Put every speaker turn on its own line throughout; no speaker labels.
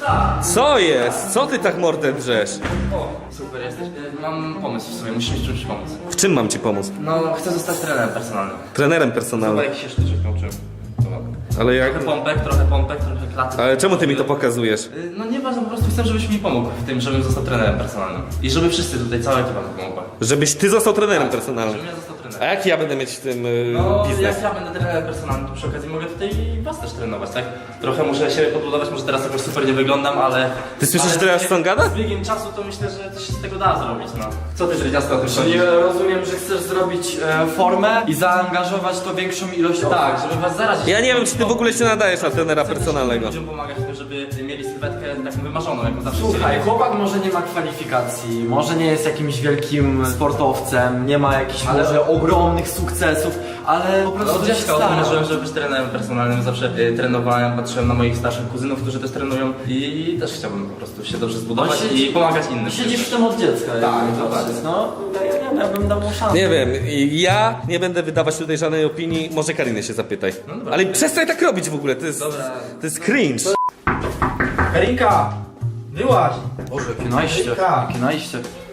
Co jest? Co ty tak mordę drzesz?
O, super jesteś. Mam pomysł w sobie, musisz mi czymś pomóc.
W czym mam ci pomóc?
No, chcę zostać trenerem personalnym.
Trenerem
Chyba
personalnym.
jakiś się sztuczek nauczyłem.
Ale jak...
Trochę pompek, trochę klaty.
Ale czemu ty mi to pokazujesz?
No nieważne, po prostu chcę, żebyś mi pomógł w tym, żebym został trenerem personalnym. I żeby wszyscy tutaj, cała ekipa mi pomogła.
Żebyś ty został trenerem personalnym.
Żebym ja został
A
trenerem.
jaki ja będę mieć w tym
No,
biznes?
jak ja będę trenerem personalnym, to przy okazji mogę tutaj was też trenować, tak? Trochę muszę się podbudować, może teraz jakoś super nie wyglądam, ale...
Ty słyszysz,
ale
teraz co on gada?
Z biegiem czasu to myślę, że coś się z tego da zrobić, no. Co ty, Dredziasto, o tym
Czyli
sądzisz?
rozumiem, że chcesz zrobić formę i zaangażować to większą ilość osób.
Tak, żeby was zarazić.
Ja nie wiem, czy ty w ogóle się nadajesz na trenera personalnego.
Ludziom pomagać w tym, żeby mieli sylwetkę taką wymarzoną, jaką zawsze
Słuchaj,
chcieli.
chłopak może nie ma kwalifikacji, może nie jest jakimś wielkim sportowcem, nie ma jakichś może ogromnych sukcesów, ale po prostu
Od
się
dziecka
stara.
marzyłem, żeby być trenerem personalnym, zawsze trenowałem, patrzyłem na moich starszych kuzynów, którzy też trenują i też chciałbym po prostu się dobrze zbudować i pomagać innym.
Siedzisz w tym od dziecka.
Tak,
jakby
tak.
patrzeć. No, ja bym dał mu szansę.
Nie wiem, ja nie będę wydawać tutaj żadnej opinii, może Kariny się zapytaj.
No dobra.
Ale przestań tak robić w ogóle, to jest,
Dobra.
to jest cringe.
Karinka! Wyłaź!
Boże, jakie najście,
Karinka.
jakie najście.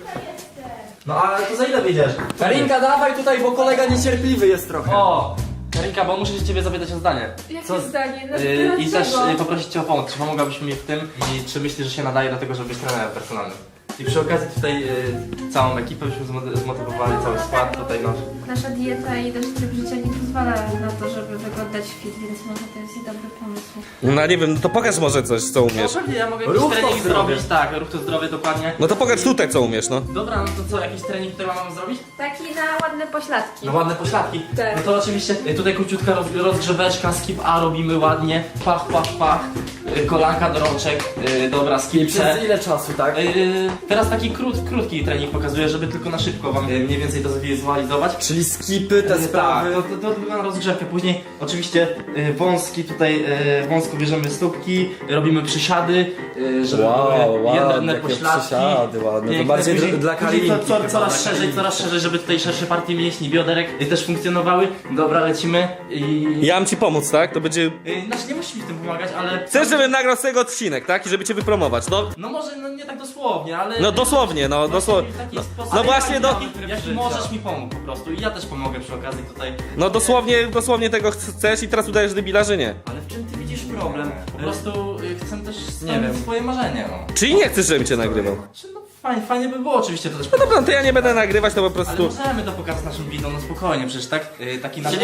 No ale to za ile wyjdziesz?
Karinka, dawaj tutaj, bo kolega niecierpliwy jest trochę.
O! Karinka, bo muszę się ciebie zapytać o zdanie.
Jakie zdanie? No,
I też poprosić cię o pomoc. Czy pomogłabyś mi w tym i czy myślisz, że się nadaje do tego, żeby być trenerem personalnym? I przy okazji tutaj całą ekipę byśmy zmotywowali, cały skład tutaj nasz.
Nasza dieta i nasz tryb życia nie pozwala na to, żeby wyglądać fit, więc może to jest i dobry pomysł.
No nie wiem, no to pokaż może coś, co umiesz.
No pewnie, ja mogę
Ruch
jakiś
to
trening
zdrowie.
zrobić, tak, ruch to zdrowie, dokładnie.
No to pokaż tutaj, co umiesz, no.
Dobra, no to co, jakiś trening tutaj mam zrobić?
Taki na ładne pośladki.
No ładne pośladki.
Tak.
No to oczywiście tutaj króciutka rozgrzeweczka, skip A robimy ładnie, pach, pach, pach, kolanka do rączek, dobra,
I
skip C.
przez ile czasu, tak?
Teraz taki krótki trening pokazuję, żeby tylko na szybko wam mniej więcej to zwizualizować.
Czyli skipy, te sprawy.
Tak, to wygląda rozgrzewkę. Później oczywiście wąski tutaj, wąsko bierzemy stópki, robimy przysiady, żeby były jędrne pośladki.
ładne. To
Piękne.
bardziej
Później-
dla
później
Karinki.
coraz szerzej, żeby tutaj szersze partie mięśni, bioderek też funkcjonowały. Dobra, lecimy i...
Ja mam ci pomóc, tak? To będzie...
Znaczy nie musisz mi w tym pomagać, ale...
Chcesz, żebym nagrał z tego odcinek, tak? I żeby cię wypromować, no.
No może no nie tak dosłownie, ale...
No dosłownie, no dosłownie.
W taki sposób.
No
Ale
właśnie, no.
Jaki możesz mi pomóc po prostu i ja też pomogę przy okazji tutaj.
No dosłownie tego chcesz i teraz udajesz debila, że nie.
Ale w czym ty widzisz problem? Po prostu chcę też
Nie wiem.
spełnić swoje marzenie, no.
Czyli nie chcesz, żebym cię nagrywał.
Znaczy, no fajnie by było oczywiście to też.
No dobra, to ja nie będę nagrywać, to po
Ale
prostu...
możemy to pokazać naszym widzom, no spokojnie, przecież tak? Taki nasz...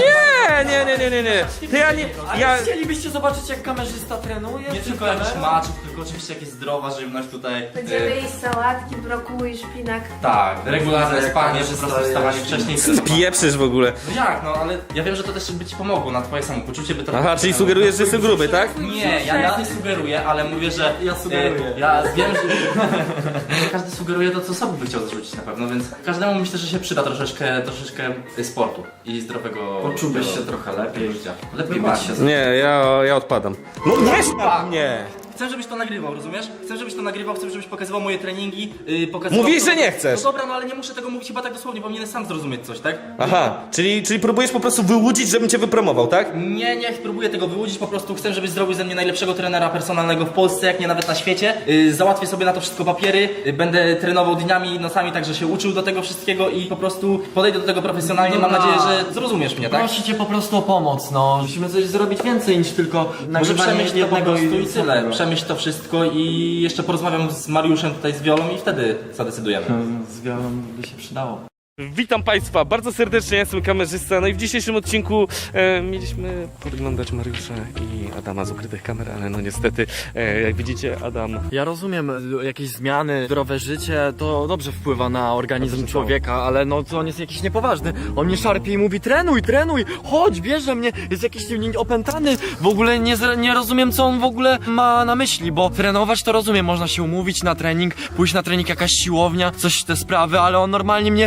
Nie. To ja nie... Ja...
Chcielibyście zobaczyć, jak kamerzysta trenuje?
Nie tylko jakiś maczów, tylko oczywiście jakieś zdrowa żywność tutaj.
Będziemy jeść sałatki, brokuły i szpinak.
Tak, regularne
Jak
spanie, po
kamerzysta
prostu wstawanie
jest.
wcześniej.
Pieprzysz w ogóle.
No jak, no ale ja wiem, że to też by ci pomogło na twoje samopoczucie, by to...
Aha, czyli sugerujesz, że jestem gruby, tak?
Nie, ja nie sugeruję, ale mówię, że...
Ja sugeruję.
Ja wiem, że... Każdy sugeruje to, co sobie by chciał zarzucić na pewno, więc każdemu myślę, że się przyda troszeczkę sportu i zdrowego...
Poczułbyś się trochę lepiej.
życia. Lepiej
Chyba
być się.
Nie, ja odpadam. No nie sztab mnie!
Chcę, żebyś to nagrywał, rozumiesz? Chcę, żebyś pokazywał moje treningi, pokazywał...
Mówisz, że nie chcesz.
No dobra, no ale nie muszę tego mówić chyba tak dosłownie, powinienem sam zrozumieć coś, tak?
Aha, czyli próbujesz po prostu wyłudzić, żebym cię wypromował, tak?
Nie próbuję tego wyłudzić, po prostu chcę, żebyś zrobił ze mnie najlepszego trenera personalnego w Polsce, jak nie nawet na świecie. Załatwię sobie na to wszystko papiery, będę trenował dniami i nocami, także się uczył do tego wszystkiego i po prostu podejdę do tego profesjonalnie. Mam
Dobra.
nadzieję, że zrozumiesz mnie, tak?
Proszę cię po prostu o pomoc, no. Musimy coś zrobić więcej niż tylko
Może
nagrywanie
przemyśl to po
jednego
prostu i tyle.
super.
Przemyśl to wszystko i jeszcze porozmawiam z Mariuszem tutaj z Wiolą i wtedy zadecydujemy.
Z wiolą by się przydało.
Witam Państwa bardzo serdecznie, ja jestem kamerzysta. No i w dzisiejszym odcinku mieliśmy podglądać Mariusza i Adama z ukrytych kamer, ale no niestety, jak widzicie, Adam...
Ja rozumiem, jakieś zmiany, zdrowe życie, to dobrze wpływa na organizm człowieka, ale no to on jest jakiś niepoważny. On mnie szarpie i mówi trenuj, chodź, bierze mnie, jest jakiś opętany. W ogóle nie rozumiem, co on w ogóle ma na myśli, bo trenować to rozumiem, można się umówić na trening, pójść na trening jakaś siłownia, coś te sprawy, ale on normalnie mnie łapie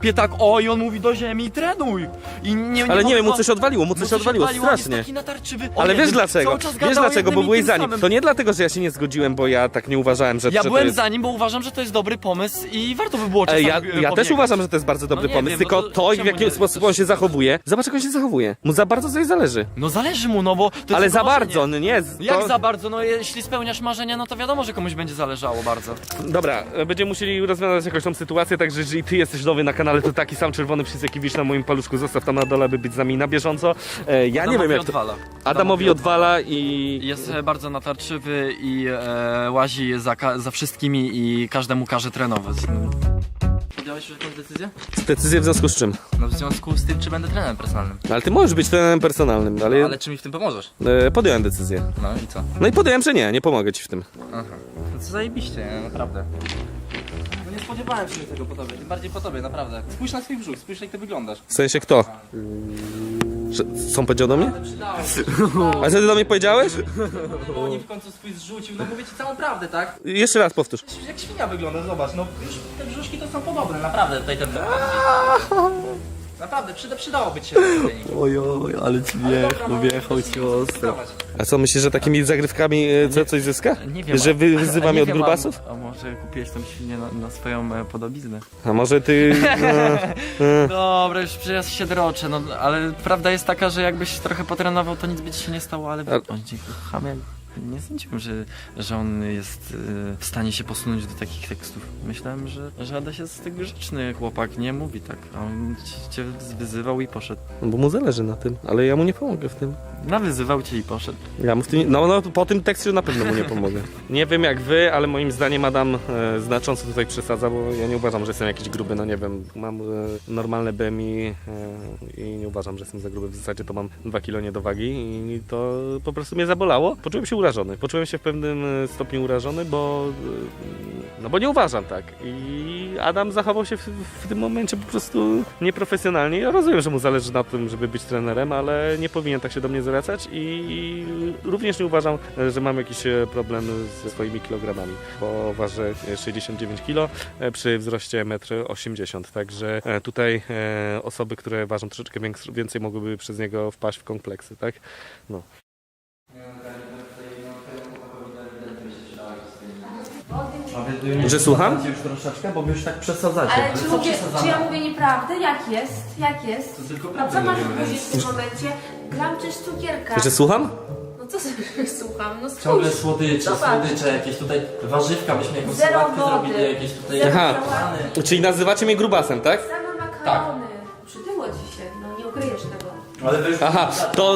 łapie tak, o i on mówi do ziemi, trenuj! I nie
Ale nie
mogę
wiem, mu
wam-
coś odwaliło, mu coś odwaliło,
on jest
strasznie.
taki natarczywy.
Ale
O
wiesz
jednym,
dlaczego?
cały czas
Wiesz
gadał o
dlaczego, bo
jednym i
byłeś
tym
za nim.
samym.
To nie dlatego, że ja się nie zgodziłem, bo ja tak nie uważałem, że
Ja
to
byłem
jest...
za nim, bo uważam, że to jest dobry pomysł i warto by było czasami
Ja też
pobiegać.
uważam, że to jest bardzo dobry
No nie
pomysł,
wiem,
tylko
no to
to, w
czemu
jaki
nie
sposób on się zachowuje. Zobacz, jak on się zachowuje. Mu za bardzo coś zależy.
No zależy mu, no bo to jest
Ale za
marzenie.
bardzo, no nie.
Jak
To...
za bardzo? No jeśli spełniasz marzenia, no to wiadomo, że komuś będzie zależało bardzo.
Dobra, będziemy musieli rozwiązać jakąś tą sytuację, także jeżeli ty jesteś nowy na kanale, to taki sam czerwony przycisk, jaki widzisz na moim paluszku, zostaw tam na dole, by być z nami na bieżąco. Ja nie wiem jak to...
odwala.
Adamowi odwala i...
Jest bardzo natarczywy i łazi za wszystkimi i każdemu każe trenować. Podjąłeś już jakąś decyzję?
Decyzję w związku z czym?
No w związku z tym, czy będę trenerem personalnym.
Ale ty możesz być trenerem personalnym, ale...
Ale czy mi w tym pomożesz?
Podjąłem decyzję.
No i co?
No i podjąłem, że nie pomogę ci w tym.
Aha. No co zajebiście, nie? Naprawdę. No nie spodziewałem się tego po tobie, tym bardziej po tobie, naprawdę. Spójrz na swój brzuch, spójrz jak ty wyglądasz.
W sensie kto? Że... Co on powiedział do mnie? A co ty do mnie powiedziałeś?
No nie w końcu swój zrzucił, no mówię ci całą prawdę, tak?
Jeszcze raz powtórz.
Jak świnia wygląda, zobacz, no już te brzuszki to są podobne, naprawdę tutaj ten... Naprawdę, przydałoby ci się ten trening.
Ojoj, ale ci wjechał ci ostro.
A co, myślisz, że takimi zagrywkami coś zyska?
Nie wiem.
Że wyzywa mnie od grubasów?
A może kupiłeś tą świnię na swoją podobiznę?
A może ty...
Dobra, już przecież się droczę, no ale prawda jest taka, że jakbyś trochę potrenował, to nic by ci się nie stało, ale on ci chamie. Nie sądziłem, że on jest w stanie się posunąć do takich tekstów. Myślałem, że Adaś jest tak grzeczny chłopak, nie mówi tak, a on cię wyzywał i poszedł.
No bo mu zależy na tym, ale ja mu nie pomogę w tym.
Nawyzywał cię i poszedł.
Ja mu w tym... No po tym tekście na pewno mu nie pomogę. Nie wiem jak wy, ale moim zdaniem Adam znacząco tutaj przesadza, bo ja nie uważam, że jestem jakiś gruby, no nie wiem. Mam normalne BMI i nie uważam, że jestem za gruby. W zasadzie to mam 2 kilo niedowagi i to po prostu mnie zabolało. Poczułem się urażony. Poczułem się w pewnym stopniu urażony, bo nie uważam tak. I Adam zachował się w tym momencie po prostu nieprofesjonalnie. Ja rozumiem, że mu zależy na tym, żeby być trenerem, ale nie powinien tak się do mnie zwracać i również nie uważam, że mam jakiś problem ze swoimi kilogramami, bo ważę 69 kg przy wzroście 1,80 m. Także tutaj osoby, które ważą troszeczkę więcej, mogłyby przez niego wpaść w kompleksy, tak? No. Że słucham?
Już troszeczkę, bo wy już tak przesadzacie.
Ale czy ja mówię nieprawdę? Jak jest? Jak jest? A co masz powiedzieć w tym momencie? Gram czyż cukierka.
Że słucham?
No co sobie słucham? No
Ciągle
spójrz.
słodycze,
Zobacz.
słodycze, jakieś tutaj warzywka, byśmy jakąś
Zero
sałatkę
wody.
zrobili, jakieś tutaj...
Zero
Aha.
sałaty.
Czyli nazywacie mnie grubasem, tak?
Same makarony. Przytyło ci się, no nie ukryjesz tego.
Ale wy już...
Aha,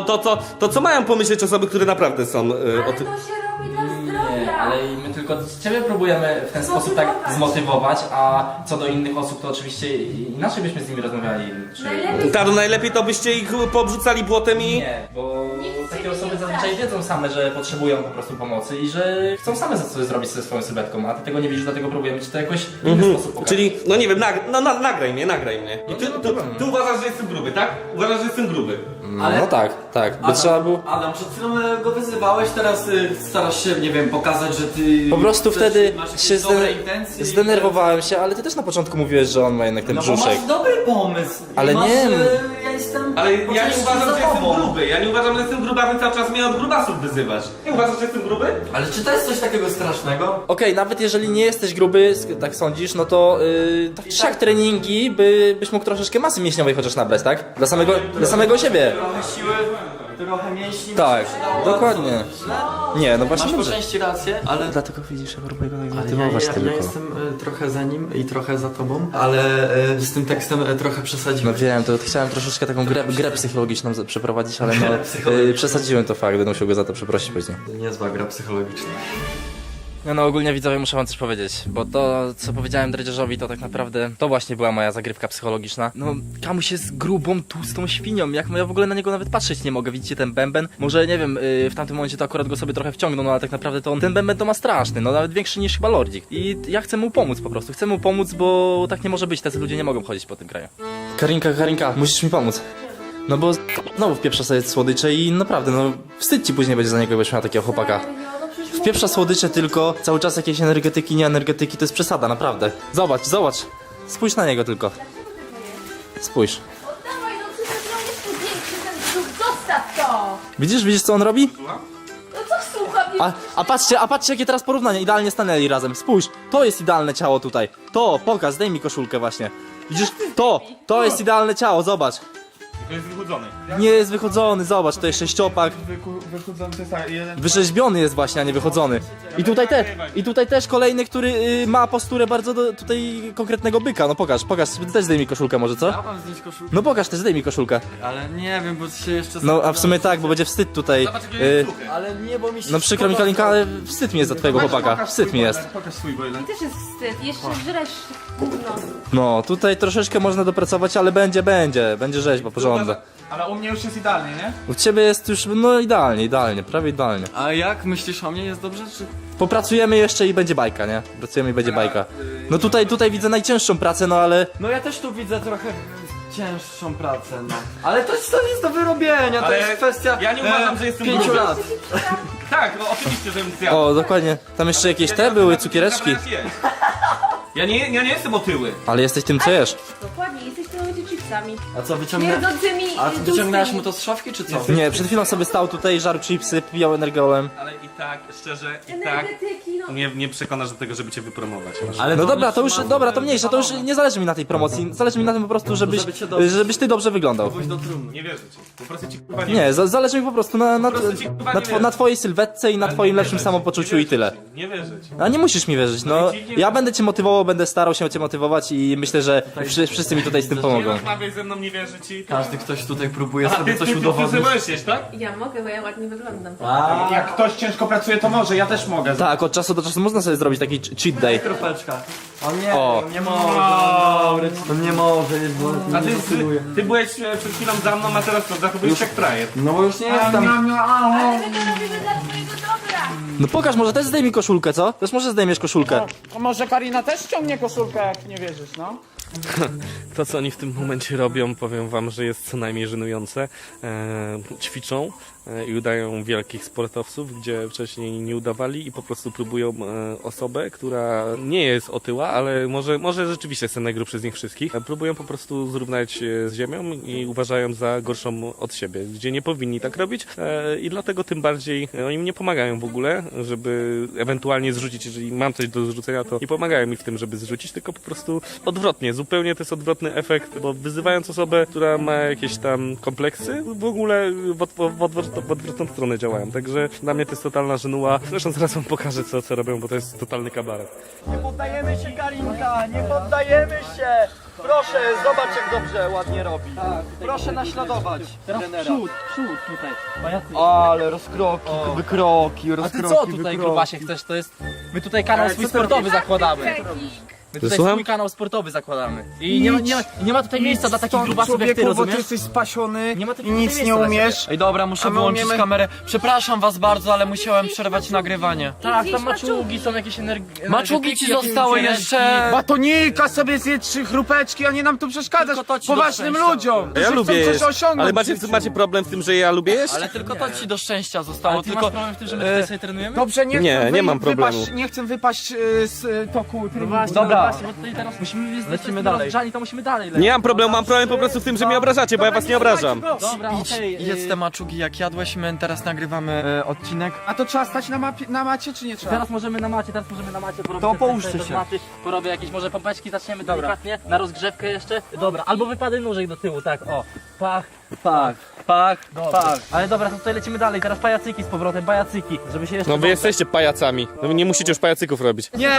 to co mają pomyśleć osoby, które naprawdę są
Ale
o
to
tym...
się robi dla
Nie,
zdrowia.
ale my tylko ciebie próbujemy w ten sposób tak zmotywować, a co do innych osób to oczywiście inaczej byśmy z nimi rozmawiali.
Najlepiej
Tak, najlepiej to byście ich pobrzucali błotem i...
Nie, bo
Nikt
takie
ciebie
osoby
nie
zazwyczaj
straszy.
wiedzą same, że potrzebują po prostu pomocy i że chcą same coś zrobić ze swoją sylwetką, a ty tego nie widzisz, dlatego próbujemy ci to jakoś w inny sposób pokazać.
Czyli, no nie wiem, nagraj mnie. I ty,
nie ma problemu.
ty uważasz, że jestem gruby, tak? Uważasz, że jestem gruby.
Ale...
No tak, by trzeba było...
Adam, przed chwilą go wyzywałeś, teraz starasz się, nie wiem, pokazać, że ty...
Po prostu wtedy
masz jakieś
się
dobre intencje i-
zdenerwowałem się, ale ty też na początku mówiłeś, że on ma jednak ten
No bo
brzuszek.
masz dobry pomysł.
Ale
masz,
nie.
Ja jestem...
Ale
po
ja nie
części
uważam,
za
że jestem
tobą.
gruby. Ja nie uważam, że jestem gruby, a ty cały czas mnie od grubasów wyzywasz. Nie uważasz, że jestem gruby?
Ale czy to jest coś takiego strasznego?
Okej, nawet jeżeli nie jesteś gruby, tak sądzisz, no to tak czy siak treningi byś mógł troszeczkę masy mięśniowej chociaż nabrać, tak? Dla samego siebie.
Trochę siły, trochę mięśni.
Tak,
by się dało
dokładnie. Nie, no właśnie
Masz po
dobrze.
części rację, ale...
Dlatego widzisz, ja próbuję go
Ale
zmotywować
ja
tylko.
jestem trochę za nim i trochę za tobą, ale z tym tekstem trochę
No
przesadziłem.
wiem, to chciałem troszeczkę taką grę psychologiczną przeprowadzić, ale
Grę
no
psychologiczną.
przesadziłem to fakt, będę musiał go za to przeprosić później.
Niezła gra psychologiczna.
No ogólnie widzowie muszę wam coś powiedzieć, bo to co powiedziałem Dredziarzowi to tak naprawdę to właśnie była moja zagrywka psychologiczna. No Kamuś jest grubą, tłustą świnią, jak ja w ogóle na niego nawet patrzeć nie mogę, widzicie ten bęben? Może nie wiem, w tamtym momencie to akurat go sobie trochę wciągnął, no ale tak naprawdę to ten bęben to ma straszny, no nawet większy niż chyba Lordzik. I ja chcę mu pomóc po prostu, chcę mu pomóc, bo tak nie może być, tacy ludzie nie mogą chodzić po tym kraju. Karinka, musisz mi pomóc. No bo znowu wpieprza sobie słodycze i naprawdę, no wstyd ci później będzie za niego, jakbyś miał takiego chłopaka.
No przecież
Wpieprza słodycze tylko, cały czas jakieś energetyki, nie energetyki, to jest przesada, naprawdę. Zobacz. Spójrz na niego tylko. Spójrz.
Oddawaj, no przecież on jest tu większy, ten brzuch, zostaw to!
Widzisz co on robi?
No co słucham?
A patrzcie jakie teraz porównanie, idealnie stanęli razem. Spójrz, to jest idealne ciało tutaj. To, pokaż, zdejmij mi koszulkę właśnie. Widzisz, to jest idealne ciało, zobacz.
To jest wychudzony.
Nie jest wychodzony, zobacz, to jest sześciopak.
Wychudzony to jest jeden...
Wyrzeźbiony jest właśnie, a nie wychodzony. I tutaj też kolejny, który ma posturę bardzo tutaj konkretnego byka. No pokaż, ty też zdejmij koszulkę może, co?
Ja mam zdjąć koszulkę,
No pokaż też, zdejmij koszulkę.
ale nie wiem, bo się jeszcze...
No a w sumie tak, bo będzie wstyd tutaj.
Ale nie, bo mi się...
No przykro mi Kalinka, ale wstyd mi jest za twojego chłopaka. Wstyd mi jest.
Pokaż swój, bo jeden.
Też jest wstyd, jeszcze żresz gówno.
No, tutaj troszeczkę można dopracować, ale będzie rzeźba, porządek.
Ale u mnie już jest idealnie, nie?
U ciebie jest już, no idealnie, prawie idealnie.
A jak myślisz o mnie? Jest dobrze, czy...
Popracujemy jeszcze i będzie bajka, nie? Pracujemy i będzie bajka. No tutaj widzę najcięższą pracę, no ale...
No ja też tu widzę trochę cięższą pracę, no. Ale to jest do wyrobienia, to
Ale
jest kwestia
ja nie uważam, że jestem
5
gruby.
lat.
Tak, no oczywiście, żebym zjadł.
O, dokładnie. Tam jeszcze jakieś te były, cukiereczki.
Ja nie jestem otyły.
Ale jesteś tym, co jesz.
Dokładnie, jesteś tymi chipsami.
A co, wyciągnęłaś...
Mierdzącymi
A wyciągnęłaś mu to z szafki, czy co?
Nie, przed chwilą sobie stał tutaj, żarł chipsy, pijał energolem.
Ale i tak, szczerze, i tak
energetyki, no.
mnie nie przekonasz do tego, żeby cię wypromować.
Ale
No dobra, to już, to mniejsza, to już nie zależy mi na tej promocji. Zależy mi na tym po prostu, żebyś ty dobrze wyglądał.
Pójdź do trumny.
Nie wierzę ci. Po prostu ci kurwa nie
Nie, zależy mi po prostu
nie
na twojej sylwetce i na twoim lepszym
wierzę.
samopoczuciu i tyle.
Nie wierzę ci.
A nie musisz mi wierzyć, no. Ja będę cię motywował, będę starał się cię motywować i myślę, że wszyscy mi tutaj z tym
Nie
pomogą.
rozmawiaj ze mną, nie wierzę ci.
Każdy ktoś tutaj próbuje
A
sobie
ty
coś udowodnić.
możesz, tak?
Ja mogę, bo ja ładnie wyglądam.
Jak ktoś ciężko pracuje, to może, ja też mogę.
Tak, od czasu do czasu można sobie zrobić taki cheat day.
Kropeczka. On nie,
O.
on nie może. On nie może, jest bo
A
nie zasługuje.
ty byłeś przed chwilą za mną, a teraz to zachowujesz jak frajer.
No bo już nie jestem.
Ale my to robimy dla twojego dobra.
No pokaż, może też zdejmij koszulkę, co? Też może zdejmiesz koszulkę.
To może Karina też ściągnie koszulkę, jak nie wierzysz, no?
To, co oni w tym momencie robią, powiem wam, że jest co najmniej żenujące. Ćwiczą i udają wielkich sportowców, gdzie wcześniej nie udawali i po prostu próbują osobę, która nie jest otyła, ale może rzeczywiście jest ten najgrubszy z nich wszystkich. Próbują po prostu zrównać z ziemią i uważają za gorszą od siebie, gdzie nie powinni tak robić i dlatego tym bardziej oni mi nie pomagają w ogóle, żeby ewentualnie zrzucić, jeżeli mam coś do zrzucenia, to nie pomagają mi w tym, żeby zrzucić, tylko po prostu odwrotnie, zupełnie to jest odwrotny efekt, bo wyzywając osobę, która ma jakieś tam kompleksy, w ogóle w odwrotną stronę działają, także dla mnie to jest totalna żenuła. Zresztą zaraz wam pokażę, co robią, bo to jest totalny kabaret.
Nie poddajemy się, Karinka, nie poddajemy się! Proszę, zobacz jak dobrze, ładnie robi. Proszę naśladować trenera.
Przód tutaj.
Ale rozkroki, wykroki,
A
rozkroki,
ty co tutaj, grubasie, chcesz? To jest... My tutaj kanał swój sportowy zakładamy. My tutaj
Słucham?
swój kanał sportowy zakładamy. I nie ma tutaj miejsca dla takich grubasów jak ty,
Człowieku, bo ty
rozumiesz?
jesteś spasiony
Nie ma tu
i nic
miejsca
nie
dla
umiesz.
Ej dobra, muszę
A my
wyłączyć
umiemy-
kamerę. Przepraszam was bardzo, ale musiałem przerwać nagrywanie.
Tak, tam maczugi są jakieś energetyki.
Maczugi ci zostały jeszcze...
Batonika sobie zje 3 chrupeczki, a nie nam tu przeszkadzać
Tylko to ci
poważnym
do szczęścia.
ludziom.
Ja
którzy
lubię
chcą
jeść,
coś osiągnąć.
ale
w życiu.
macie problem w tym, że ja lubię jeść?
Ale tylko to ci do szczęścia zostało,
Ale ty
tylko...
masz problem w tym, że my tutaj sobie trenujemy?
Dobrze,
Nie mam problemu.
Nie chcę wypaść z toku trybu.
Dobra.
Właśnie, bo tutaj teraz musimy
Lecimy dalej.
to musimy dalej lecieć.
Nie mam problemu, mam problem po prostu w tym, że mnie obrażacie, bo ja was nie obrażam.
Dobra, okej.
Jedz te maczugi jak jadłeś, my teraz nagrywamy odcinek.
A to trzeba stać na macie, czy nie trzeba?
Teraz możemy na macie porobić.
To
te
połóżcie
testy,
się.
do maty, porobię jakieś może pompeczki, zaczniemy delikatnie, na rozgrzewkę jeszcze. Dobra, albo wypady nóżek do tyłu, tak, o. Pach, pach, pach. Ale dobra, to tutaj lecimy dalej, teraz pajacyki z powrotem, pajacyki, żeby się jeszcze...
No wy jesteście pajacami, no wy nie musicie już pajacyków robić.
Nie,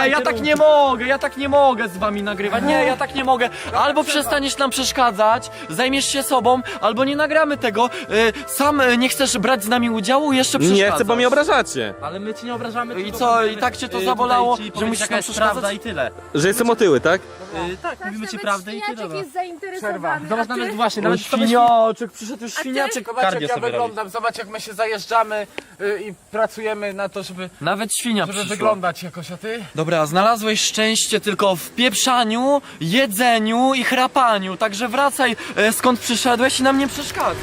ja tak nie mogę z wami nagrywać, nie, ja tak nie mogę. Albo przestaniesz nam przeszkadzać, zajmiesz się sobą, albo nie nagramy tego. Sam nie chcesz brać z nami udziału, jeszcze przeszkadzasz.
Nie chcę, bo mnie obrażacie.
Ale my ci nie obrażamy.
I
tylko
co,
powiedzmy,
i tak cię to
tutaj
zabolało,
ci
że
powiedzieć,
musisz
jaka
nam
jest
przeszkadzać?
prawda i tyle.
Że jestem otyły, tak?
Tak, mówimy ci
Nawet
prawdę i tyle.
świniaczek
No.
jest zainteresowany.
Zobacz,
a ty?
nawet właśnie, nawet
Świniaczek, przyszedł już świniaczek.
Zobacz
Kardię
jak ja
sobie robi.
wyglądam, zobacz jak my się zajeżdżamy i pracujemy na to, żeby
Nawet świnia przyszła.
wyglądać jakoś, a ty?
Dobra, znalazłeś szczęście tylko w pieprzaniu, jedzeniu i chrapaniu, także wracaj skąd przyszedłeś i nam nie przeszkadzaj.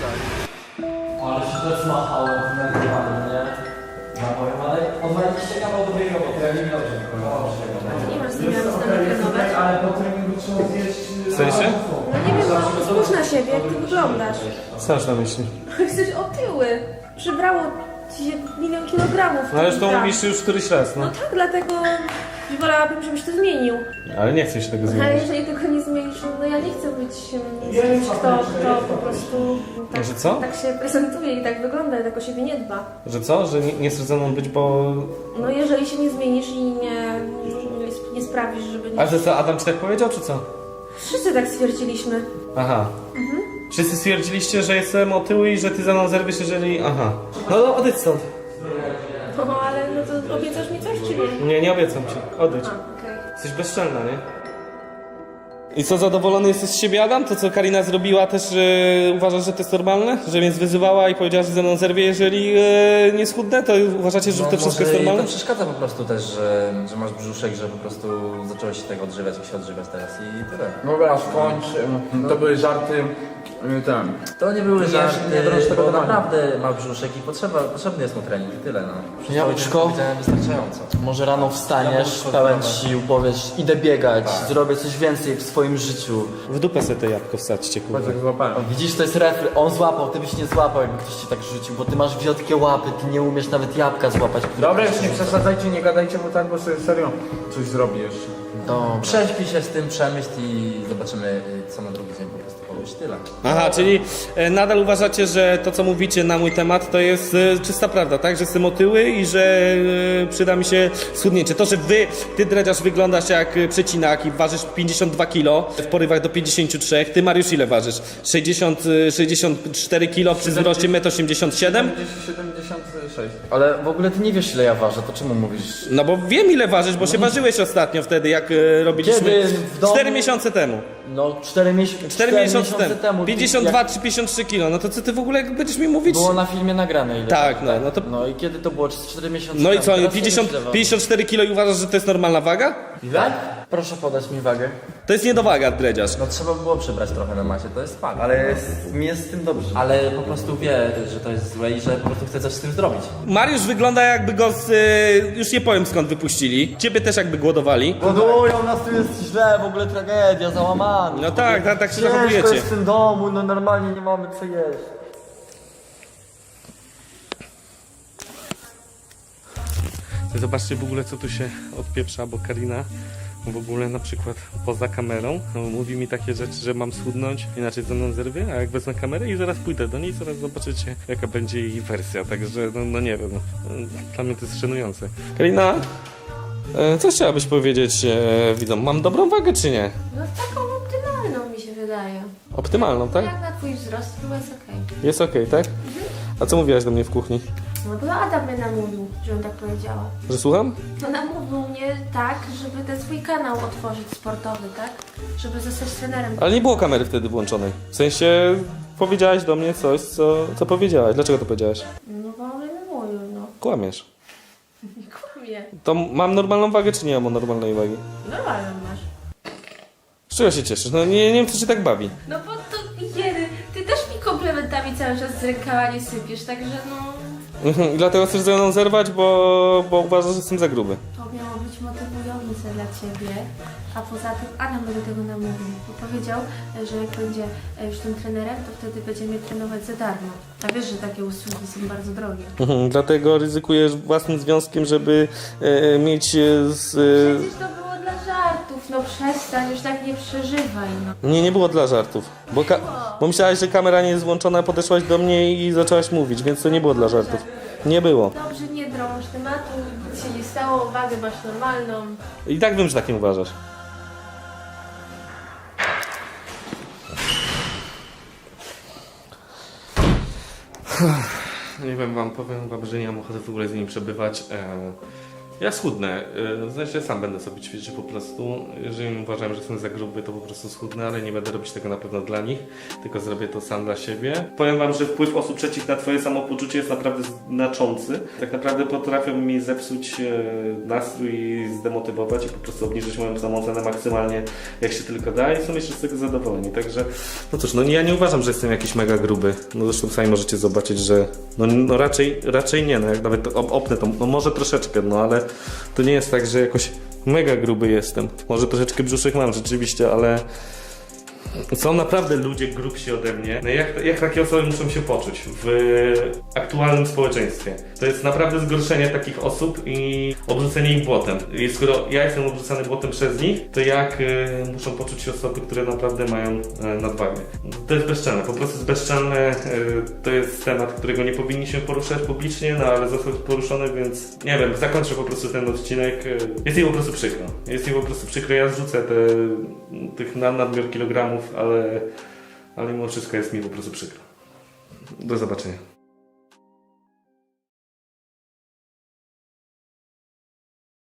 Ale się to zmachałem w nagrywaniu, nie? No powiem, ale odwaliście kawał dobrej roboty, ja nie wiem dobrze.
Nie masz z nimi trenować.
Ale po treningu trzeba zjeść...
W sensie?
No nie wiem, Spójrz na siebie, jak ty wyglądasz.
Co masz na myśli?
Jesteś otyły. Przybrało ci się 1 000 000 kilogramów.
No ale już to
Tak.
mówisz już któryś raz,
No
no.
tak, dlatego wolałabym, żebyś to zmienił.
Ale nie chcę się tego
Ale
zmienić.
jeżeli tego nie zmienisz, no ja nie chcę być kimś, kto po prostu tak,
Że co?
tak się prezentuje i tak wygląda i tak o siebie nie dba.
Że co? Że nie chcesz ze mną być, bo...
No jeżeli się nie zmienisz i nie sprawisz, żeby nie...
A że co, Adam ci tak powiedział, czy co?
Wszyscy tak stwierdziliśmy.
Aha. Wszyscy stwierdziliście, że jestem otyły i że ty za mną zerwiesz, jeżeli... Aha. No odejdź stąd.
No ale no to obiecasz mi coś, czy nie?
Nie, nie obiecam ci. Odejdź.
A, okej.
Jesteś bezczelna, nie? I co, zadowolony jesteś z siebie, Adam? To, co Karina zrobiła, też uważasz, że to jest normalne? Że mnie wyzywała i powiedziała, że ze mną zerwie, jeżeli nie schudnę? To uważacie, że to wszystko jest
To
normalne?
przeszkadza po prostu też, że masz brzuszek, że po prostu zacząłeś się tego odżywiać, jak się odżywiać teraz i tyle.
Dobra, skończ. To były żarty. Ten.
To nie były żarty,
nie drąż tego
bo
tematu.
naprawdę ma brzuszek i potrzebny jest mu trening i tyle, no.
Jabłuszko?
Powiedziałem wystarczająco.
Może rano wstaniesz, pełen sił, powiesz, idę biegać, zrobię coś więcej w swoim życiu.
W dupę sobie to jabłko wsadźcie, kurwa.
Patrz jak złapałem.
Widzisz, to jest refren. On złapał, ty byś nie złapał, jakby ktoś ci tak rzucił, bo ty masz wiotkie łapy, ty nie umiesz nawet jabłka złapać.
Dobra, już nie przesadzajcie, nie gadajcie mu tak, bo sobie serio coś zrobi jeszcze.
Dobra.
Prześpij się z tym, przemyśl i zobaczymy co na drugi dzień po prostu powiesz, tyle.
Aha, czyli nadal uważacie, że to, co mówicie na mój temat, to jest czysta prawda, tak? Że jestem otyły i że przyda mi się schudnięcie. To, że ty dredziarz wyglądasz jak przecinak i ważysz 52 kg, w porywach do 53, ty Mariusz ile ważysz? 64 kg przy wzroście 1,87 m?
76.
Ale w ogóle ty nie wiesz, ile ja ważę, to czemu mówisz?
No bo wiem ile ważysz, bo się ważyłeś ostatnio wtedy, jak robiliśmy
Kiedy w domu?
4 miesiące temu.
No, 4
miesiące temu.
Ty-
52
jak
czy 53 kg. No to co ty w ogóle będziesz mi mówić?
Było na filmie nagrane ile?
Tak, no to...
No i kiedy to było? 4 miesiące
No i
temu.
co,
Teraz nie
50,
myślę,
54 kg i uważasz, że to jest normalna waga?
Ile? Proszę podać mi wagę.
To jest niedowaga, dredziarz.
No trzeba było przybrać trochę na macie, to jest fakt.
Ale mi jest z tym dobrze.
Ale po prostu wie, że to jest złe i że po prostu chce coś z tym zrobić.
Mariusz wygląda jakby go z... już nie powiem skąd wypuścili. Ciebie też jakby głodowali.
Głodują nas, tu jest źle, w ogóle tragedia, załamany.
No tak, tak się
Ciężko
zachowujecie.
jest w tym domu, no normalnie nie mamy co jeść.
Zobaczcie w ogóle co tu się odpieprza, bo Karina w ogóle na przykład poza kamerą mówi mi takie rzeczy, że mam schudnąć, inaczej ze mną zerwie, a jak wezmę kamerę i zaraz pójdę do niej, zaraz zobaczycie jaka będzie jej wersja, także no nie wiem, dla mnie to jest szanujące. Karina, co chciałabyś powiedzieć widzom? Mam dobrą wagę czy nie?
No taką optymalną mi się wydaje.
Optymalną, tak?
Jak na twój wzrost, to jest okej.
Jest okej, tak? A co mówiłaś do mnie w kuchni?
No bo Adam mnie namówił, żebym tak powiedziała.
Że słucham?
No namówił mnie tak, żeby ten swój kanał otworzyć sportowy, tak? Żeby zostać trenerem.
Ale nie było kamery wtedy włączonej. W sensie powiedziałaś do mnie coś, co powiedziałaś. Dlaczego to powiedziałaś?
No bo on mnie namówił, no.
Kłamiesz.
Nie kłamie.
To mam normalną wagę, czy nie mam normalnej wagi?
Normalną masz.
Z czego się cieszysz? No nie wiem, co cię tak bawi.
No bo to jedy, ty też mi komplementami cały czas z rękawa nie sypiesz, także no...
I dlatego chcesz ze mną zerwać, bo uważasz, że jestem za gruby.
To miało być motywujące dla ciebie, a poza tym Adam mnie do tego namówił, bo powiedział, że jak będzie już tym trenerem, to wtedy będzie mnie trenować za darmo. A wiesz, że takie usługi są bardzo drogie.
Dlatego ryzykujesz własnym związkiem, żeby mieć
Przecież to było dla żartów, no przestań, już tak nie przeżywaj, no.
Nie było dla żartów. Bo myślałaś, że kamera nie jest włączona, podeszłaś do mnie i zaczęłaś mówić, więc to nie było dla żartów. Nie było.
Dobrze, nie drąż tematu, nic się nie stało, wagę masz normalną.
I tak wiem, że tak nie uważasz. Nie wiem wam, powiem wam, że nie mam ochoty w ogóle z nimi przebywać. Ja schudnę, znaczy sam będę sobie ćwiczył po prostu. Jeżeli uważam, że jestem za gruby, to po prostu schudnę, ale nie będę robić tego na pewno dla nich, tylko zrobię to sam dla siebie. Powiem wam, że wpływ osób trzecich na twoje samopoczucie jest naprawdę znaczący. Tak naprawdę potrafią mi zepsuć nastrój i zdemotywować i po prostu obniżyć moją samoocenę maksymalnie jak się tylko da i są jeszcze z tego zadowoleni. Także, no cóż, no ja nie uważam, że jestem jakiś mega gruby. No zresztą sami możecie zobaczyć, że no raczej nie, no jak nawet opnę to, no może troszeczkę, no ale to nie jest tak, że jakoś mega gruby jestem. Może troszeczkę brzuszek mam rzeczywiście, ale Są naprawdę ludzie grubsi ode mnie. No jak takie osoby muszą się poczuć w aktualnym społeczeństwie? To jest naprawdę zgorszenie takich osób i obrzucenie ich błotem. I skoro ja jestem obrzucany błotem przez nich, to jak muszą poczuć się osoby, które naprawdę mają nadwagę? To jest bezczelne, po prostu jest bezczelne. To jest temat, którego nie powinniśmy poruszać publicznie, no ale został poruszony, więc nie wiem, zakończę po prostu ten odcinek. Jest mi po prostu przykro. Jest mi po prostu przykro, ja zrzucę tych nadmiar kilogramów, ale mimo wszystko jest mi po prostu przykro. Do zobaczenia.